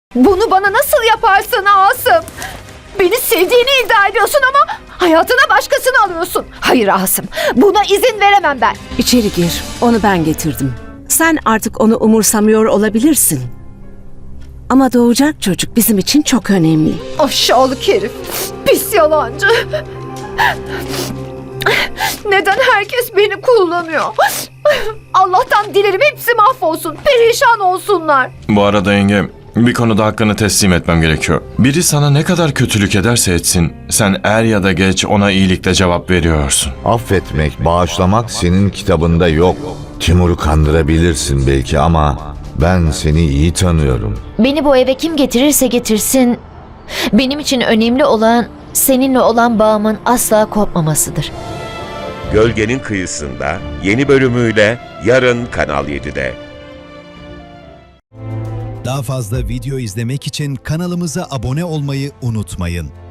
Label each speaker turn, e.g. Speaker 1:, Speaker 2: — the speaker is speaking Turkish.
Speaker 1: Bunu bana nasıl yaparsın Asım? Beni sevdiğini iddia ediyorsun ama hayatına başkasını alıyorsun. Hayır Asım, buna izin veremem ben.
Speaker 2: İçeri gir. Onu ben getirdim. Sen artık onu umursamıyor olabilirsin. Ama doğacak çocuk bizim için çok önemli.
Speaker 1: Aşağılık herif, pis yalancı. Neden herkes beni kullanıyor? Allah'tan dilerim hepsi mahvolsun, perişan olsunlar.
Speaker 3: Bu arada yenge, bir konuda hakkını teslim etmem gerekiyor. Biri sana ne kadar kötülük ederse etsin, sen er ya da geç ona iyilikle cevap veriyorsun.
Speaker 4: Affetmek, bağışlamak senin kitabında yok. Timur'u kandırabilirsin belki ama ben seni iyi tanıyorum.
Speaker 5: Beni bu eve kim getirirse getirsin, benim için önemli olan seninle olan bağımın asla kopmamasıdır.
Speaker 6: Gölgenin Kıyısında yeni bölümüyle yarın Kanal 7'de.
Speaker 7: Daha fazla video izlemek için kanalımıza abone olmayı unutmayın.